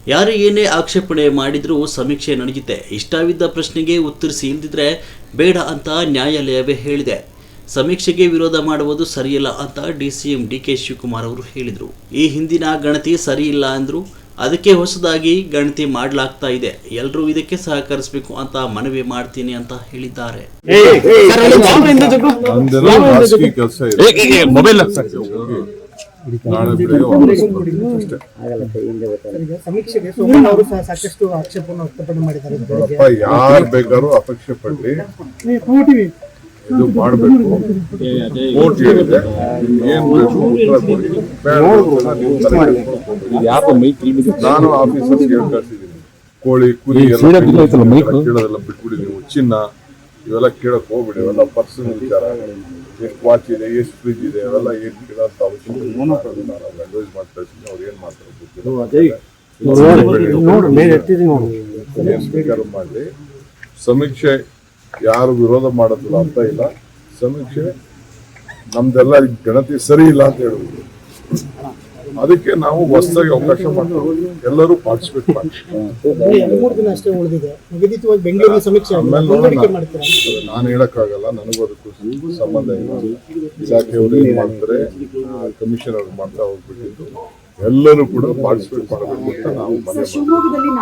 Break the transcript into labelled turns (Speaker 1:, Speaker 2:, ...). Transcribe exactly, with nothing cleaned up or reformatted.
Speaker 1: ಯಾರು ಏನೇ ಆಕ್ಷೇಪಣೆ ಮಾಡಿದರೂ ಸಮೀಕ್ಷೆ ನಡೆಯುತ್ತೆ. ಇಷ್ಟವಿದ್ದ ಪ್ರಶ್ನೆಗೆ ಉತ್ತರಿಸಿ, ಇಲ್ದಿದ್ರೆ ಬೇಡ ಅಂತ ನ್ಯಾಯಾಲಯವೇ ಹೇಳಿದೆ. ಸಮೀಕ್ಷೆಗೆ ವಿರೋಧ ಮಾಡುವುದು ಸರಿಯಿಲ್ಲ ಅಂತ D C M D K Shivakumar ಅವರು ಹೇಳಿದರು. ಈ ಹಿಂದಿನ ಗಣತಿ ಸರಿ ಇಲ್ಲ ಅಂದರು. ಅದಕ್ಕೆ ಹೊಸದಾಗಿ ಗಣತಿ ಮಾಡಲಾಗ್ತಾ ಇದೆ. ಎಲ್ಲರೂ ಇದಕ್ಕೆ ಸಹಕರಿಸಬೇಕು ಅಂತ ಮನವಿ ಮಾಡ್ತೀನಿ ಅಂತ ಹೇಳಿದ್ದಾರೆ.
Speaker 2: ಸಮೀಕ್ಷೆಗೆ ಸೋಮಣ್ಣ ಅವರು ಸಾಕಷ್ಟು ಆಕ್ಷೇಪವನ್ನು ವ್ಯಕ್ತಪಡಿಸಿ ಮಾಡಿದ್ದಾರೆ.
Speaker 3: ಯಾರು ಬೇಕಾದ್ರೂ ಅಪೇಕ್ಷೆ ಪಡ್ಲಿ, ಇದು ಮಾಡಬೇಕು. ಕೋರ್ಟ್ ಹೇಳಿದೆ, ಏನ್ ಬೇಕು ಉತ್ತರ ಕೊಡಿ. ನಾನು ಆಫೀಸರ್ಸ್ ಹೇಳ್ಕಳಿಸಿದ್ದೀನಿ, ಕೋಳಿ ಕುರಿ ಎಲ್ಲ ಕೇಳೋದೆಲ್ಲ ಬಿಟ್ಬಿಡಿ. ನೀವು ಚಿನ್ನ ಇವೆಲ್ಲ ಕೇಳಕ್ ಹೋಗ್ಬಿಡಿ. ಇವೆಲ್ಲ ಪರ್ಸನಲ್ ವಿಚಾರ. ಎಷ್ಟು ವಾಚ್ ಇದೆ, ಎಷ್ಟು ಫ್ರಿಜ್ ಇದೆ, ಅವೆಲ್ಲ ಏನ್ ಕೇಳೋಂತ ಅವಶ್ಯಕತೆ ನಾನು ಅಡ್ವೈಸ್ ಮಾಡ್ತಾ ಇದ್ದೀನಿ. ಅವ್ರು ಏನ್ ಮಾಡ್ತಾರೆ ಏನ್ ಬೇಕಾದ್ರೂ ಮಾಡಲಿ. ಸಮೀಕ್ಷೆ ಯಾರು ವಿರೋಧ ಮಾಡೋದಿಲ್ಲ ಅಂತ ಇಲ್ಲ. ಸಮೀಕ್ಷೆ ನಮ್ದೆಲ್ಲ ಗಣತಿ ಸರಿ ಇಲ್ಲ ಅಂತ ಹೇಳುವುದು, ಅದಕ್ಕೆ ನಾವು ಹೊಸದಾಗಿ ಅವಕಾಶ ಮಾಡ್ತೀವಿ. ಎಲ್ಲರೂ ಪಾರ್ಟಿಸಿಪೇಟ್ ಮಾಡ್ತೀವಿ. ನಾನು ಹೇಳಕ್ಕಾಗಲ್ಲ, ನನಗೂ ಅದಕ್ಕೂ ಸಂಬಂಧ ಇಲ್ಲ. ಇಲಾಖೆಯವರು ಏನ್ ಮಾಡ್ತಾರೆ, ಕಮಿಷನ್ ಅವ್ರು ಮಾಡ್ತಾ ಹೋಗ್ಬಿಟ್ಟಿದ್ದು. ಎಲ್ಲರೂ ಕೂಡ ಪಾರ್ಟಿಸಿಪೇಟ್ ಮಾಡಬೇಕು ಅಂತ ನಾವು ಮನವಿ ಮಾಡ್ತೀವಿ.